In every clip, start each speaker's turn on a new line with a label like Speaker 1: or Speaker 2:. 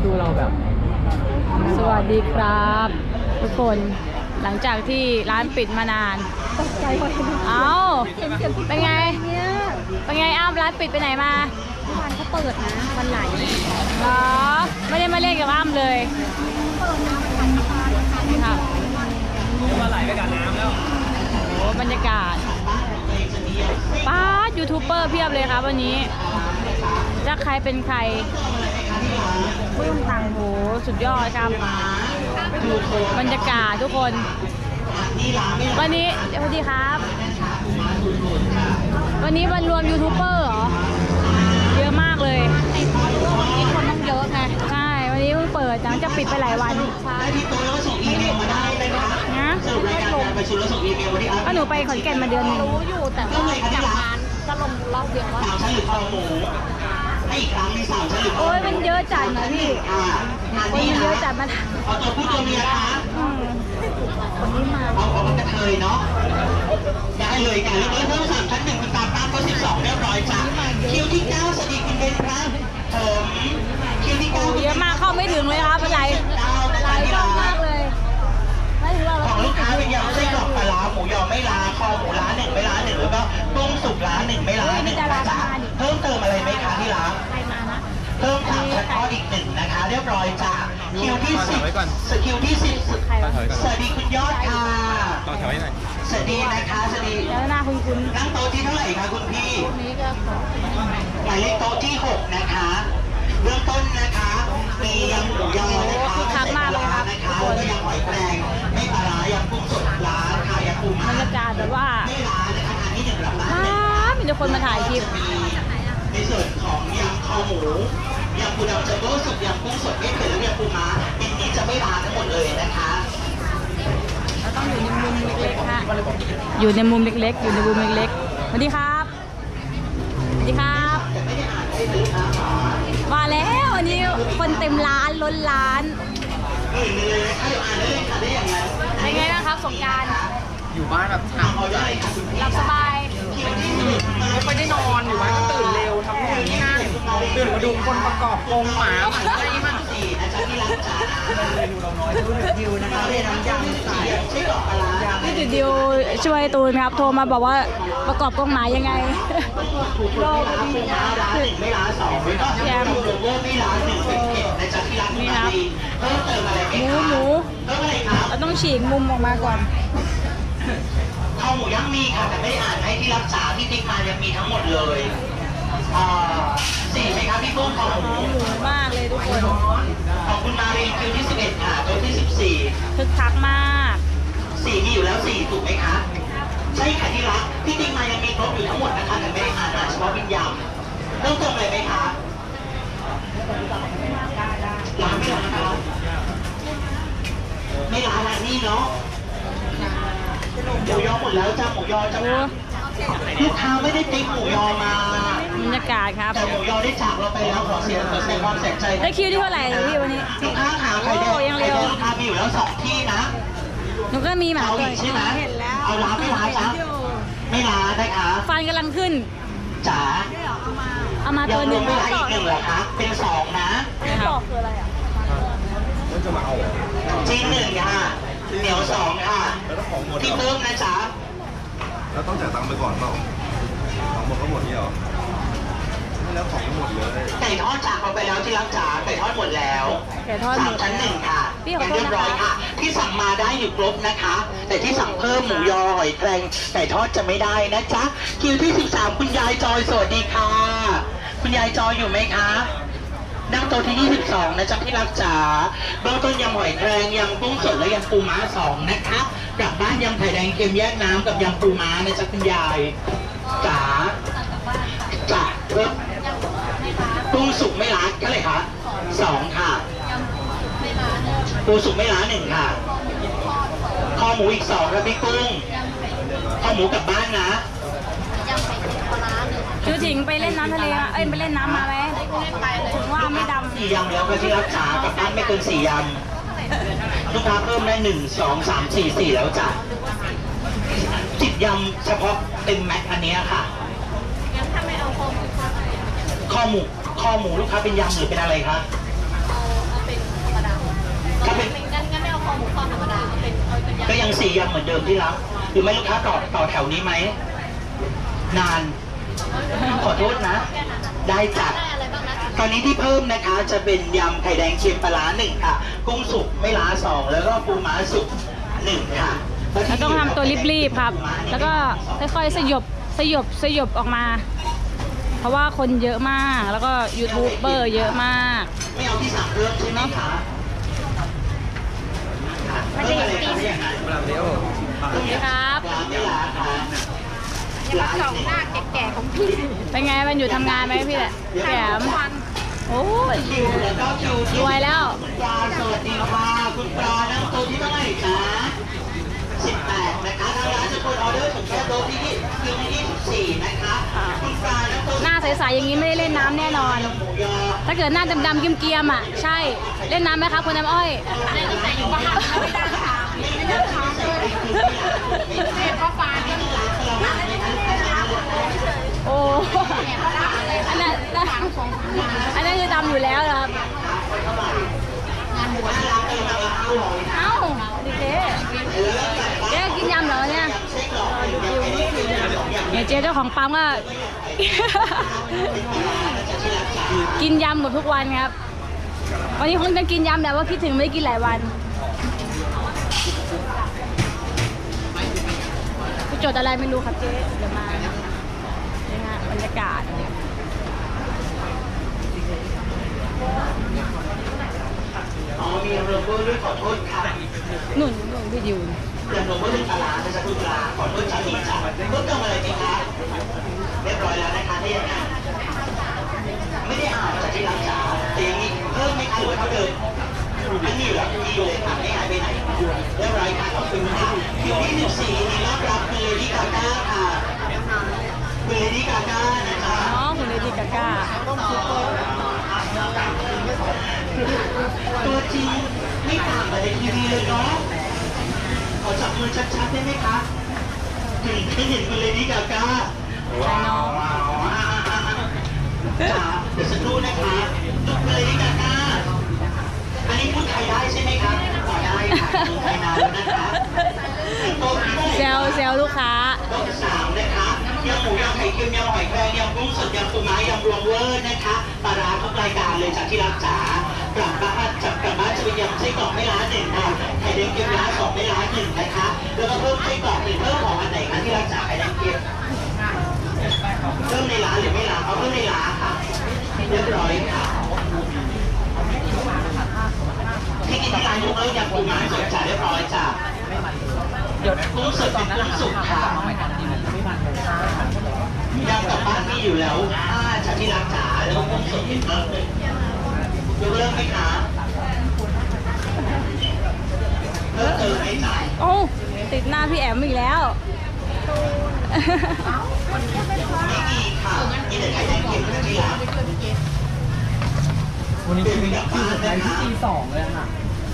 Speaker 1: ดูเราแบบ
Speaker 2: สวัสดีครับทุกคนหลังจากที่ร้านปิดมานาน
Speaker 3: ตกใจพอเห็น
Speaker 2: เอ้าเป็นไง
Speaker 3: เนี่ย
Speaker 2: เป็นไงอ้าวร้านปิดไปไหนมา
Speaker 3: วันเขาเปิดนะวันไหน
Speaker 2: เหรอไม่ได้มาเล่นกับอ้ำเลยนี่ครับ
Speaker 1: มาไหลไปกับน้ำแล้ว
Speaker 2: โอ้บรรยากาศป้ายูทูบเบอร์เพียบเลยครับวันนี้จะใครเป็นใครปื้มตังโหสุดยอดครับบรรยากาศทุกคนวันนี้สวัสดีครับ วันนี้วันรวมยูทูบเบอร์เหรอเยอะมากเลย
Speaker 3: มีคนต้องเยอะไง
Speaker 2: ใช่วันนี้เพิ่งเปิดหลังจากปิดไปหลายวันนะก็หนูไปขอนแก่นมาเดือนหนึง
Speaker 3: รู้อยู่แต่ว่าจากงานก็ลงรอบเดียวว่า
Speaker 2: โอ้ยมันเยอะจัดนะพี่คนมันเยอะจัดมา
Speaker 4: เอาตัวผู้ตัวเมียคะ
Speaker 3: คนนี้มา
Speaker 4: เอากระเทยเนาะได้เลยค่ะแล้วเพิ่ม3ชั้น1คุณตามก็12เรียบร้อยจ้ะคิวที่9สวัสดีคุณเบนครับผมคิวที่9
Speaker 2: เยอะมากเข้าไม่ถึงเลยครับอะไรหลายรอบมากเลยไม่ถึงเรา
Speaker 4: ของลูกค้าเป็นยำไส้กรอกปลาร้าหมูยอไม่ล้าคอหมูล้า1ไม่ล้า1แล้วก็ต้มสุกล้า1ไม่ล้า1นะจ๊ะเพิ่มเติมอะไรไหมคะที่ร้าน
Speaker 3: ใครมานะ
Speaker 4: เพิ่ม3ชั้นทอดอีก1นะคะเรียบร้อยจ้ะคิวที่10คิวที่10
Speaker 2: ใครวะ
Speaker 4: สวัสดีคุณยอดค่ะ
Speaker 1: ต่อแถวให้หน่อย
Speaker 4: สวัสดีนะคะสวัสดี
Speaker 2: แล้วหน้าคุณคุณ
Speaker 4: นั่งโต๊ะที่เท่าไหร่คะคุณพี่
Speaker 3: นี้ก็ขอ
Speaker 4: หมายเลขโต๊ะที่6นะคะเบื้องต้นนะคะมียำหมูยอนะคะไม่ใส่ปลาร้านะคะแล้วก็ยำหอยแครงไม่ปลาร้ายำกุ้งสดร้านค่ะยำปู
Speaker 2: บร
Speaker 4: ม้าร
Speaker 2: ยากาศแบบว่า
Speaker 4: ไม่ร้านนะคะทานที่1รับร้าน
Speaker 2: มีแต่คนมาถ่ายคลิป
Speaker 4: ในส่วนของยำคอหมูยำปูดำจัมโบ้สุกยำกุ้งสดไม่เผ็ดและยำปูม้าเป็นนี้จะไม่ร้านทั้งหมดเลยนะคะ
Speaker 2: เราต้องอยู่ในมุมเล็กๆค่ะอยู่ในมุมเล็กๆ อยู่ในมุมเล็กๆสวัสดีครับสวัสดีครับมาแล้ววันนี้คนเต็มร้านล้นร้านเป็นไงบ้างครับสงกรานต์
Speaker 1: อยู่บ้านแบบถามใจ
Speaker 2: หลับสบาย
Speaker 1: ไม่ค่อยได้นอนอยู่บ้านก็ตื่นเร็วทำนู่นนี่นั่นตื่นมาดูคนประกอบกรงหมาอะไรมัน
Speaker 2: พี่จุดดิวช่วยตูนครับโทรมาบอกว่าประกอบกล้องหมายยังไง
Speaker 4: รอร้านหนึ่งไม่ร้าน2ไม่ก็ไม่ร้าน1เป็นเผ็ดนะจ๊ะที่ร้าน
Speaker 2: นี่ครับ
Speaker 4: เพิ่มเติมอะไรไหม
Speaker 2: หมู
Speaker 4: เพิ่มอะไรครับ
Speaker 2: เราต้องฉีกมุมออกมาก่อน
Speaker 4: ข้าวหมูย่างมีค่ะแต่ไม่ได้อ่านให้ที่รับสาที่ติ๊กมายังมีทั้งหมดเลย4ไหมครับพี่ปุ้มข้าวหมู
Speaker 2: หมูมากเลยทุกคน
Speaker 4: ขอบคุณมาเรียนคิวที่11ค่ะตัวที่14
Speaker 2: คึกคักมาก
Speaker 4: 4มีอยู่แล้ว4ถูกไหมคะใช่ค่ะที่รักที่ติ๊กมายังมีครบอยู่ทั้งหมดนะคะแต่ไม่ได้อ่านเฉพาะวิญญาณเพิ่มเติมอะไรไหมคะร้านไม่ร้านครับไม่ร้านร้านนี่เนาะหมูยอหมดแล้วจ้าหมูยอจ้าลูกค้าไม่ได้ติ๊กหมูยอมา
Speaker 2: บรรยากาศครับ
Speaker 4: แต่หมูยอได้จากเราไปแล้วขอแสดงความเสียใจ
Speaker 2: ได้คิวที่เท่าไหร่พี่วันนี้
Speaker 4: ลูกค้าหาไข่แดง
Speaker 2: โอ้ยังเร็ว
Speaker 4: ลูกค้ามีอยู่แล้ว2ที่นะ
Speaker 2: หนูก็มีหมา
Speaker 4: เอา
Speaker 2: ตั
Speaker 4: อี
Speaker 2: ว
Speaker 4: กใช่ไหมเอาร้านไม่ร้านจ้าไม่ร้านนะคะ
Speaker 2: ฟันกำลังขึ้น
Speaker 4: จ๋า
Speaker 2: เอามา
Speaker 4: ยั
Speaker 2: ตัว
Speaker 4: ง
Speaker 2: ห
Speaker 4: ร
Speaker 2: นึ่
Speaker 4: ว
Speaker 2: ง
Speaker 4: มไม่ร้านอีก1เหรอคะเป็น2นะ
Speaker 2: นะครับ
Speaker 4: จีน1ค่ะเหนียว2ค่ะ
Speaker 5: แล้วถ้าของหมด
Speaker 4: ที่เพิ่มนะจ๊ะ
Speaker 5: แล้วต้องจ่ายตังค์ไปก่อนเปล่าของหมดก็หมดนี่เหรอไม่แล้วของไม่หมดเลย
Speaker 4: ไก่ทอดจากเราไปแล้วที่รักจ๋าไก่ทอดหมดแล้ว
Speaker 2: ไก่ทอดหมด
Speaker 4: 3ชั้น
Speaker 2: แล้ว
Speaker 4: 1ค่ะ
Speaker 2: พี่ขอโทษ
Speaker 4: เรียบร้อย
Speaker 2: นะคะ
Speaker 4: ค่ะ ที่สั่งมาได้อยู่ครบนะคะ แต่ที่สั่งเพิ่มหมูยอหอยแครงไก่ทอดจะไม่ได้นะจ๊ะคิวที่13คุณยายจอยสวัสดีค่ะ คุณยายจอยอยู่ไหมคะนั่งโต๊ะที่22นะจ๊ะที่รักจ๋าเบื้องต้นยำหอยแครงยำกุ้งสดและยำปูม้า2นะคะกลับบ้านยำไข่แดงเค็มแยกน้ำกับยำปูม้านะจ๊ะคุณยายจ๋าจ๋าเพิ่มกุ้งสุกไม่ล้าเท่าไหร่คะ2ค่ะปูสุกไม่ล้า1ค่ะคอหมูอีก2ครับพี่กุ้งคอหมูกลับบ้านนะ
Speaker 2: จูถิงไปเล่นน้ำทะเลมาเอ้ยไปเล่นน้ำมาไหมถึงว่าไม่ดำ
Speaker 4: 4 ยำแล้วก็ที่รักษากลับบ้านไม่เกิน4 ยำลูกค้าเพิ่มได้1 2 3 4 4แล้วจ้ะ10 ยำเฉพาะเต็มแม็กอันเนี้ยค่ะคอหมูลูกค้าเป็นยำหรือเป็นอะไรคะ
Speaker 3: หมูทอดธรรมดาเป็นยำ
Speaker 4: ก็ยัง4ยำเหมือนเดิมที่รักหรือไม่ลูกค้าต่อแถวนี้ไหมนานขอโทษนะ ได้จัด
Speaker 3: ได้อะไรบ้างนะ
Speaker 4: ตอนนี้ที่เพิ่มนะคะจะเป็นยำไข่แดงเค็มปลาร้า1ค่ะ กุ้งสุกไม่ล้า2แล้วก็ปูม้าสุก1ค่ะ
Speaker 2: เราต้องทำตัวรีบๆครับ แล้วก็ค่อยๆสยบออกมา เพราะว่าคนเยอะมาก แล้วก็ยูทูบเบอร์เยอะมาก
Speaker 4: ไม่เอาที่สั่งเพิ่มใช่ไหมคะ
Speaker 3: มันจะเห็นปี
Speaker 4: เพิ่มอะไรคะอย่างนั้น
Speaker 2: สวัสดีครับ
Speaker 4: ร้านไม่ล้าค่ะ
Speaker 3: เนี่ยมันสองหน้าแก่ๆของพี่
Speaker 2: เป็นไงมันอยู่ทำงานไหมพี่แหละพี่แหลมโอ้ย
Speaker 4: คิวแล้วก็คิวที่
Speaker 2: รวยแล้ว
Speaker 4: คุณปลาสวัสดีค่ะคุณปลานั่งโต๊ะที่เท่าไหร่คะ18นะคะทางร้านจะกดออเดอร์ถึงแค่โต๊ะที่คิวที่24นะคะคุณปลานั่งโต๊ะ
Speaker 2: หน้าใสๆอย่างนี้ไม่ได้เล่นน้ำแน่นอน
Speaker 4: หมูยอ
Speaker 2: ถ้าเกิดหน้าดำๆเกรียมๆอ่ะ ใช่ เล่นน้ำไหมครับคุณน้ำอ้อย
Speaker 3: อะไรตั้งแต่อยู่บ้านไม่ได้ค่ะไม่ได้ค่ะเลยพ่อฟ้าเนี่ย
Speaker 2: โอ้อันนั้นคือดำอยู่แล้วนะครับ เอ้าดิเจ๊เจ๊กินยำเหรอเนี่ยเนี่ยเจ๊เจ้าของปั๊มก็ กินยำหมดทุกวันครับ วันนี้คงจะกินยำแต่ว่าคิดถึงไม่ได้กินหลายวันกูจดอะไรไม่รู้ครับเจ๊เดี๋ยวมานี่ฮะบรรยากาศ
Speaker 4: อ๋อมีโรเบอร์ด้วยขอโทษค่ะ
Speaker 2: หนุนพี่ดิว
Speaker 4: เดี๋ยวโรเบอร์เป็นปลาร้านะจ๊ะคุณปลาขอโทษจ้าดีจ้ะเพิ่มเติมอะไรดีคะเรียบร้อยแล้วนะคะที่ยังไงไม่ได้อ่านจากที่รักจ๋าแต่ยังมีเพิ่มไหมคะหรือว่าเท่าเดิมอันนี้เหรอดีเลยค่ะไม่หายไปไหนเรียบร้อยค่ะขอบคุณค่ะคิวที่14นี่รับรับคุณเลดี้กาก้าค่ะคุณเลดี้กาก้านะคะ
Speaker 2: น้องคุณเลดี้กาก้า
Speaker 4: ตัวจริงไม่ต่างกับในทีวีเลยเนาะขอจับมือชัดๆได้ไหมคะถึงได้เห็นคุณเลดี้กาก้า
Speaker 2: ใช่น้อง
Speaker 4: จ๋าเดี๋ยวสักครู่นะคะลูกคุณเลดี้กาก้าอันนี้พูดไทยได้ใช่ไหมคะขอได้ค่ะพูดไทยนานแล้วนะคะโต๊ะที่
Speaker 2: เซลลูกค้า
Speaker 4: โต๊ะ3นะคะยำหมูยำไข่เค็มยำหอยแครงยำกุ้งสดยำปูม้ายำรวมเวอร์นะคะปลาร้าทุกรายการเลยจากที่รักจ๋ากลับบ้านจะเป็นยำไส้กรอกไม่ล้า1ค่ะไข่แดงเค็มล้า2ไม่ล้า1นะคะแล้วก็เพิ่มไส้กรอก1เพิ่มของอันไหนคะที่รักจ๋าไข่แดงเค็มเพิ่มในร้านหรือไม่ล้าเอาเพิ่มในร้านค่ะเรียบร้อยค่ะที่กินที่ร้านยกเลิกยำปูม้าสดจ๋าเรียบร้อยจ้ะเดี๋ยวกุ้งสดเป็นกุ้งสุกค่ะยำกลับบ้านมีอยู่แล้วจากที่รักจ๋าแล้วก็กุ้งสดเป็นเพิ่มเลยยกเลิกไหมคะเพิ่มเติมไหมจ๋า
Speaker 2: โอ้ติดหน้าพี่แอมอีกแล้ว
Speaker 4: ไม่มีค่ะมีแต่ไข่แดงเค็มกับที่รัก
Speaker 1: วันนี้คือสุดท้ายที่ตี2เลยค่ะ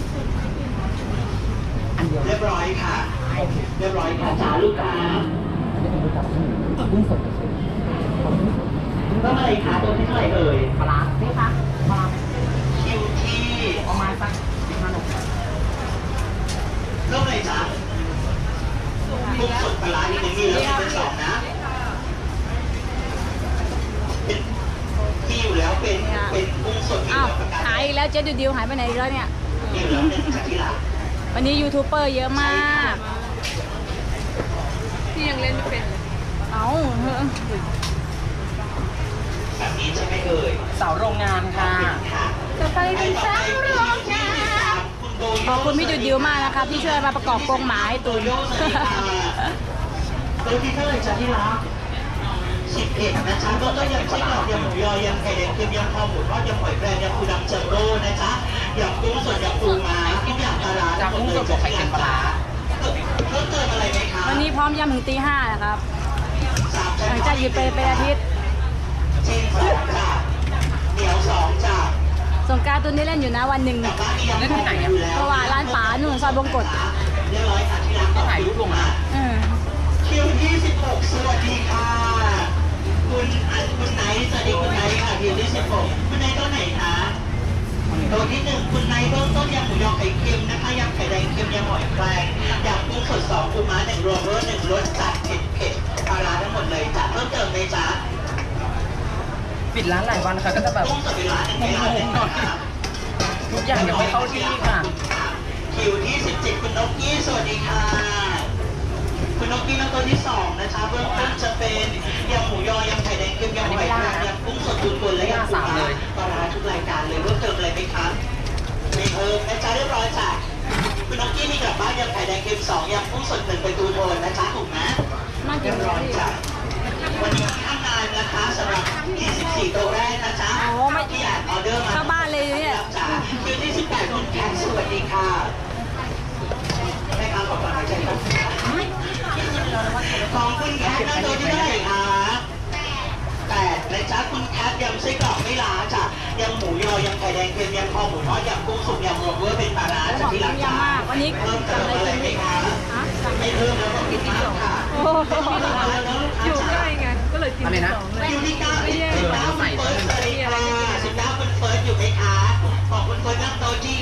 Speaker 4: เรียบร้อยค่ะเรียบร้อยค่ะจ๋าลูกค้า
Speaker 1: กุ้งสด
Speaker 4: เพิ่มอะไรคะตัวที่เท่าไหร่เอ่ย
Speaker 1: ปลาร้านี่คะปลาร้า
Speaker 4: คิวที่
Speaker 1: ประมาณสัก15 นาที
Speaker 4: เริ่มเลยจ้ะกุ้งสดปลาร้านี่มีแล้วเป็น2นะเป็นมีอยู่แล้วเป็นกุ้งสดมี
Speaker 2: อ้าว
Speaker 4: แล้วประกัน
Speaker 2: หายอีกแล้วเจ๊ดิวหายไปไหนอีกแล้วเนี่ย
Speaker 4: มีอยู่แล้วเป็นจากที่รัก
Speaker 2: วันนี้ยูทูบเบอร์เยอะมาก
Speaker 3: พี่ยังเล่นไม่เป็นเลย
Speaker 2: เอ้า
Speaker 4: แบบนี้ใช่ไหมเอ่ย
Speaker 1: สาวโรงงานค่ะ
Speaker 4: ค่ะ
Speaker 2: ต่อไปเป็นสาวโรงงานขอบคุณพี่ดิวมากนะครับที่ช่วยมาประกอบกรงหมาให้ตุน
Speaker 4: ตัวที่เท่าไหร่จ้ะที่รัก11นะจ๊ะก็ยำไส้กรอกยำหมูยอยำไข่แดงเค็มยำคอหมูทอดยำหอยแครงยำปูดำจัมโบ้นะจ๊ะยำกุ้งสดยำปูม้าทุกอย่างปลาร้าทั้งหมดเลยจากที่ร้านปลาร้าเพิ่มเติมอะไรไหมคะ
Speaker 2: วันนี้พร้อมยำถึงตี 5นะครับ
Speaker 4: 3
Speaker 2: หลังจากหยุดไปเป็นอาทิตย์
Speaker 4: เช่น2จ้ะเหนียว2จ้ะ
Speaker 2: สงกรานต์ตุนได้เล่นอยู่นะวันหนึ่ง
Speaker 4: กลับบ้านมียำที่ไหนอ่ะ
Speaker 2: เพราะว่าร้านป๋าหนุ่นซอยบงกฎ
Speaker 4: เรียบร้อยค่ะที่ร้านถ่ายรูปลงมา คิวที่16สวัสดีค่ะคุณไนท์สวัสดีคุณไนท์ค่ะคิวที่16คุณไนท์ตัวไหนคะตัวที่1คุณไนท์เริ่มต้นยำหมูยอไข่เค็มนะคะยำไข่แดงเค็มยำหอยแครงยำกุ้งสด2ปูม้า1รวมรส1รสจัดเผ็ดปลาร้าทั้งหมดเลยจ้ะเพิ่มเติมเลยจ้ะ
Speaker 1: ปิดร้านหลายวันค่ะก็จะแบบ
Speaker 4: กุ้งสดเวลา1เวลา1ค่ะ
Speaker 1: ทุกอย่างยังไม่เข้าที่ค่ะ
Speaker 4: คิวที่17คุณนกกี้สวัสดีค่ะคุณนกกี้น้ำตัวที่2นะคะเบื้องต้นจะเป็นยำหมูยอยำไข่แดงเค็มยำหอยแครงยำกุ้งสดตุนๆและยำปูม้าปลาร้าทุกรายการเลยเพิ่มเติมอะไรไหมคะไม่เพิ่มนะจ๊ะเรียบร้อยจ้ะคุณนกกี้มีกลับบ้านยำไข่แดงเค็ม2ยำกุ้งสด1ไปตูโทนนะจ๊ะถูกไหม
Speaker 2: น่ากิ
Speaker 4: เรี
Speaker 2: น
Speaker 4: ยบร้อยจ้ะวันนี้ข้างงานนะคะสำหรับ24โต๊ะแรกนะจ๊ะที่อ่านออเดอร์มา
Speaker 2: เข้าบ้านเลยเนี่ย
Speaker 4: จ้ะคิวที่18คุณแคทสวัสดีค่ะแม่ค้าขอกำลังใจครับของคุณแคทนั่งโต๊ะที่เท่าไหร่คะ8นะจ๊ะคุณแคทยำไส้กรอกไม่ล้าจ้ะยำหมูยอยำไข่แดงเค็มยำคอหมูทอดยำกุ้งสุกยำรวมเวอร์เป็นปลาร้า
Speaker 2: ข
Speaker 4: จาก
Speaker 2: อง
Speaker 4: ที่
Speaker 2: เย
Speaker 4: ร้า
Speaker 2: อะ
Speaker 4: นจ้ะ
Speaker 2: มากวันนี้
Speaker 4: เพิ่มเติ
Speaker 2: สั่ง
Speaker 4: ม
Speaker 2: อะไร
Speaker 4: อะไร
Speaker 2: กิน
Speaker 4: ไหม
Speaker 2: ดี
Speaker 4: คะ
Speaker 2: ฮะสั่ง
Speaker 4: ไม่เพิ่มแล้วก็กินที่ค่ะ
Speaker 2: โอ้โห
Speaker 1: อยู่ใกล้ไง ก็เลยกินอะไรนะ
Speaker 4: คิวที่9คุณเฟิร์สสวัสดีค่ะ19คุณเฟิร์สอยู่ไหมคะของคุณเฟิร์สนั่งโต๊ะที่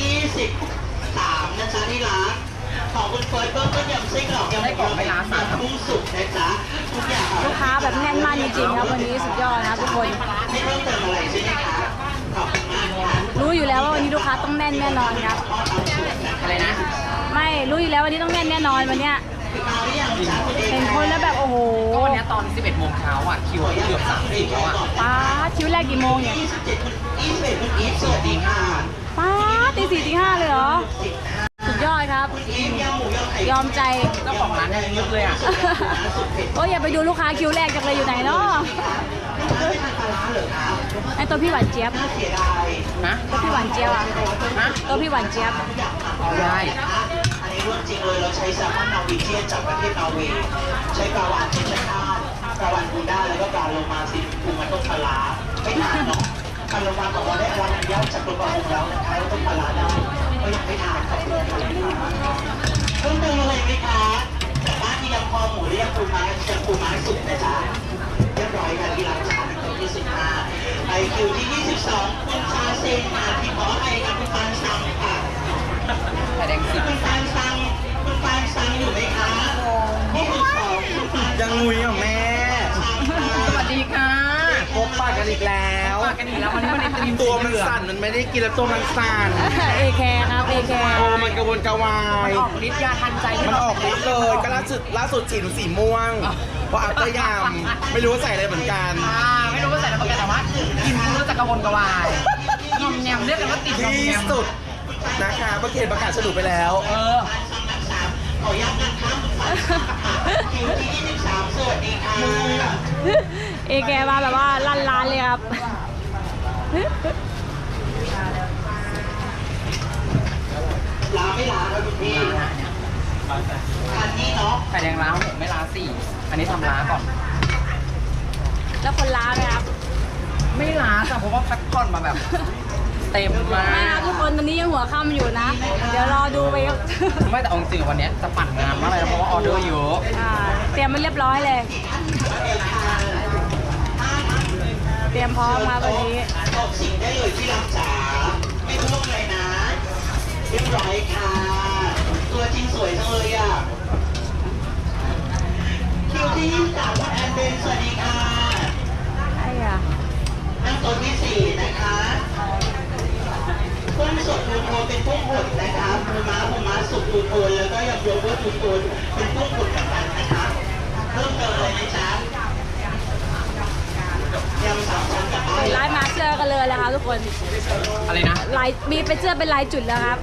Speaker 4: 23นะจ๊ะที่ร้านของคุณเฟิร์สเพิ่มต้นยำไส้กรอกยำหมูยอเป็นร้านกุ้งสุกนะจ๊ะทุกอย่าง
Speaker 2: ลูกค้าแบบแน่นมากจริงๆครับวันนี้สุดยอดนะครับทุกคน
Speaker 4: ไม่เพิ่มเติมอะไรใช่ไหมคะขอบคุณมากค่ะ
Speaker 2: รู้อยู่แล้วว่าวันนี้ลูกค้าต้องแน่นแน่นอนครับ
Speaker 1: อะไรนะ
Speaker 2: ไม่รู้อยู่แล้ววันนี้ต้องแน่นแน่นอนวันเนี้ย
Speaker 4: มาหรือยังจ๊ะคุณเอ
Speaker 2: เห็นคนแล้วแบบโอ้โห
Speaker 1: ก็วันนี้ตอน 11 โมงเช้าอ่ะ คิวเกือบ30แล้วอ่ะ
Speaker 2: ป้าดคิวแรกกี่โมงเนี่ย
Speaker 4: 27คุณ21คุณอีฟสวัสดีค่ะ
Speaker 2: ป้าดตี 4ตี 5เลยเหรอ สุดยอดครับ
Speaker 4: อีฟยำหมูยอไข่
Speaker 2: ยอมใจ
Speaker 1: เจ้าของร้านยังยึดเลยอ่ะ
Speaker 2: โอ้ยอย่าไปดูลูกค้าคิวแรกจังเลยอยู่ไหนเนาะ
Speaker 4: ไม่ทานปลาร้าเหรอคะ
Speaker 2: ไอตัวพี่หวานเจี๊ยบ
Speaker 4: น่าเสียดาย
Speaker 1: นะ
Speaker 2: ตัวพี่หวานเจี๊ยบอะ
Speaker 1: นะ
Speaker 2: ตัวพี่หวานเจี๊ยบ
Speaker 1: ได้
Speaker 4: อันนี้เรื่องจริงเลยเราใช้แซลมอนนอร์วีเจียนจากประเทศนอร์เวย์ใช้ปลาวานเชนชาติปลาวานบูด้าแล้วก็ปลาโลมาซิปูมันต้มปลาร้าไม่ทานเนาะปลาโลมาบอกว่าได้รับอนุญาตจากกรมประมงแล้วนะคะว่าต้มปลาร้าได้ก็ยังไม่ทานขอบคุณค่ะเพิ่มเติมอะไรไหมคะจากบ้านที่ยำคอหมูหรือยำปูม้ายำปูม้าสุกนะจ๊ะเรียบร้อยกันที่ร้านชาในตัวที่15ไอคิวที่22คุณชาเซนมาที่ขอไอกับคุณปานซังค่ะ
Speaker 1: ไข่แดงสิบ
Speaker 4: คุณปานซังอยู่ไหมคะนี่คือของคุณปาน
Speaker 5: ยังงุยอ่ะแม่
Speaker 1: สวัสดีค่ะ
Speaker 5: พบปากกันอีกแล้ว
Speaker 1: ปากกันอีกแล้ววันนี้มันในตรีม
Speaker 5: ตัวมันสั่นมันไม่ได้กินแล้วตัวมันสั่น
Speaker 2: เอแคร์ครับเอแคร์
Speaker 5: โอ้มันกระวนกระวาย
Speaker 1: ออกฤทธิ์ยาทันใจที่
Speaker 5: มันออกฤทธิ์เลยก็ล่าสุดฉีดหนูสีม่วงเพราะอัพเตอร์ยำไม่รู้ว่าใส่อะไรเหมือนกัน
Speaker 1: ไม่รู้ว่าใส่อะไรมาแต่ว่ากินรู้จักกระวนกระวายงอมแงมเรียกกันว่าติดงอม
Speaker 5: ที่
Speaker 1: แงม
Speaker 5: สุดนะคะประเทศประกาศฉลุไปแล้ว
Speaker 1: เออ
Speaker 4: ขออนุญาตนะคะคุณปานซังค่ะคิวที่23สวัสดีค่ะ
Speaker 2: เอแคร์มาแบบว่าลั่นร้านเลยครับ
Speaker 4: ลาไม่ลาครับคุณพี่อันนี้เนาะ
Speaker 1: ไข่แดงล้า6ไม่ล้า4อันนี้ทำล้าก่อน
Speaker 2: แล้วคนร้านไหมครับ
Speaker 1: ไม่ล้าจ้ะเพราะว่าพักผ่อนมาแบบ เต็มมา
Speaker 2: ไม่ครับ
Speaker 1: ก
Speaker 2: ทุกคนตอนนี้ยังหัวค่ำอยู่นะ เดี๋ยวรอดูไปครับ
Speaker 1: ไม่แต่เอาจริงๆวันเนี้ยจะปั่นงานมากเลยนะเพราะว่าออเดอร์เยอะ
Speaker 2: เตรียมมันเรียบร้อยเลย เตรียมพร้อมครับวันนี้
Speaker 4: บอกสิ่งได้เลยที่รักจ๋าไม่พูดเลยนะเรียบร้อยค่ะ ตัวจริงสวยจังเลยอ่ะคิวที่23คุณแอนเบนสวัสดีค่ะ
Speaker 2: ไอ้อะ
Speaker 4: นั่งโต๊ะที่4นะคะกุ้งสดทูโทนเป็นกุ้งหดนะคะปูม้าสุกทูโทนแล้วก็ยำโยเกิร์ตทูโทนเป็นกุ้งหดเหมือนกันนะคะเพิ่มเติมอะไรไหมจ๊ะยำสามชั้นกับไส้
Speaker 2: ลายมาเสื้อกันเลยแล้วครับทุกคน
Speaker 1: อะไรนะ
Speaker 2: ลายมีเป็นเสื้อเป็นลายจุดแล้วครับ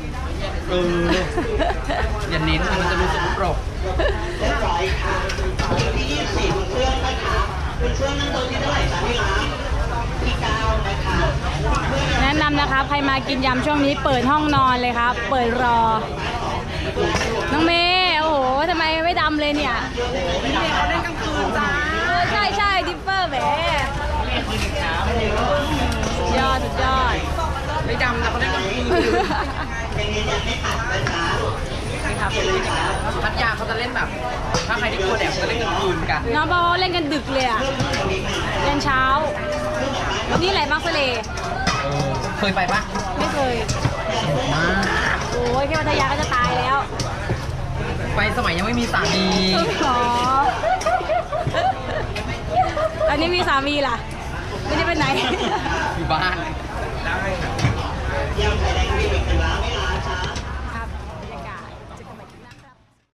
Speaker 1: อย่าเน้นมันจะรู้สึกโปรก
Speaker 4: เรียบร้อยค่ะคิวที่24คุณเฟื่องนะคะคุณเฟื่องนั่งโต๊ะที่เท่าไหร่จ๊ะที่ร้านที่9นะคะคุณเฟื่อง
Speaker 2: แนะนำนะครับใครมากินยำช่วงนี้เปิดห้องนอนเลยครับ เปิดรอ น้องเมย์โอ้โหทำไมไม่ดำเลยเนี่ย
Speaker 1: เขาเล่นกลางคืนจ้า
Speaker 2: ใช่ใช่ดิปเปอร์แหมสุดยอดสุดยอด
Speaker 1: ไม่ดำนะเขาเล่นกลางคืน
Speaker 4: ยังยืนยันไม่ตัดนะจ๊ะ
Speaker 1: นี่ครับ
Speaker 4: เปลี่ยนเลยจ้ะ
Speaker 1: พัทยาเขาจะเล่นแบบ ถ้าใครที่กลัวแดดเขาจะเล่นกลางคืนกัน
Speaker 2: น้องบอกว่าเล่นกันดึกเลยอะยันเช้า วันนี้ไหลบางทะเล
Speaker 1: เคยไปปะ
Speaker 2: ไม่เคย
Speaker 1: มาก
Speaker 2: โอ้ยแค่พัทยาก็จะตายแล้ว
Speaker 1: ไปสมัยยังไม่มีสามี
Speaker 2: ขอตอนนี้มีสามีล่ะ ไม่ได้ไปไหน
Speaker 1: อยู่บ้าน
Speaker 5: ได้ครับ